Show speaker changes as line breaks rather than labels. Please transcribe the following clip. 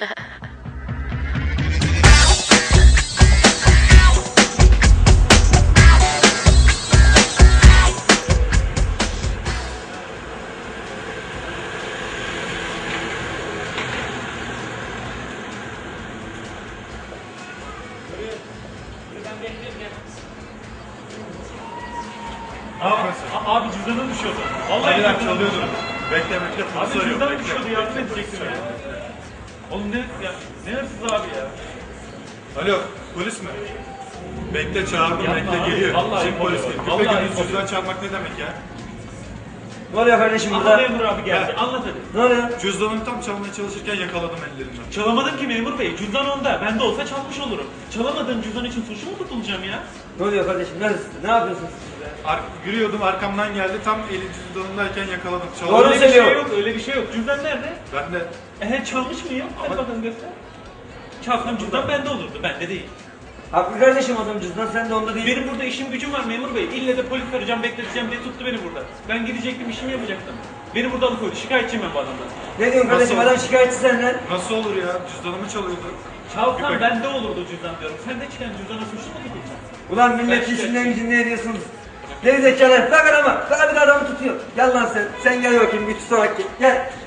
Abi cüzdanım düşüyordu. Vallahi
Hadi lan çalıyordum. Bekle
abi cüzdanım düşüyordu, yardım edecektim ya. Oğlum ne hırsız abi ya.
Alo, polis mi? Bekle çağırdım,
Yapma
bekle
abi,
geliyor.
vallahi
Şimdi polis
yapıyorum.
geliyor. Küpe
Vallahi
gündüz cüzdan çalmak ne demek ya?
Ne oluyor kardeşim burada?
Anla memur abi geldi, anlat hadi.
Ne oluyor?
Cüzdanımı tam çalmaya çalışırken yakaladım ellerinden.
Çalamadım ki memur bey, cüzdan onda. Ben de olsa çalmış olurum. Çalamadığım cüzdan için suçlu mu tutulacağım ya?
Ne oluyor kardeşim? Ne yapıyorsunuz siz be?
Yürüyordum, arkamdan geldi, tam eli cüzdanındayken yakaladım.
Doğru
Öyle bir
söylüyor.
şey yok, öyle bir şey yok. Cüzdan nerede?
Ben de
Çalmış mıyım? Hadi bakalım göster. Çalsam cüzdan bende olurdu, bende değil.
Haklı kardeşim adam cüzdan sen de onda değil.
Benim burada işim gücüm var memur bey. İlle de polis arayacağım, bekleteceğim diye tuttu beni burada. Ben gidecektim, işimi yapacaktım. Beni burada alıkoydu. Şikayetçiyim ben bu adamdan.
Ne diyorsun kardeşim
Nasıl?
adam şikayetçi senden.
nasıl olur ya? Cüzdanımı çalıyordu.
Çalsam
Küpe-
bende olurdu cüzdan diyorum. Sen de çıkan cüzdana suçlu mu tutulacaksın?
Ulan millet
Ben
işinden gücünden ediyorsunuz. Geri zekalar bak adama. Bak bir de adamı tutuyor. Gel lan sen. Sen gel bakayım bir tutarak gel. Gel.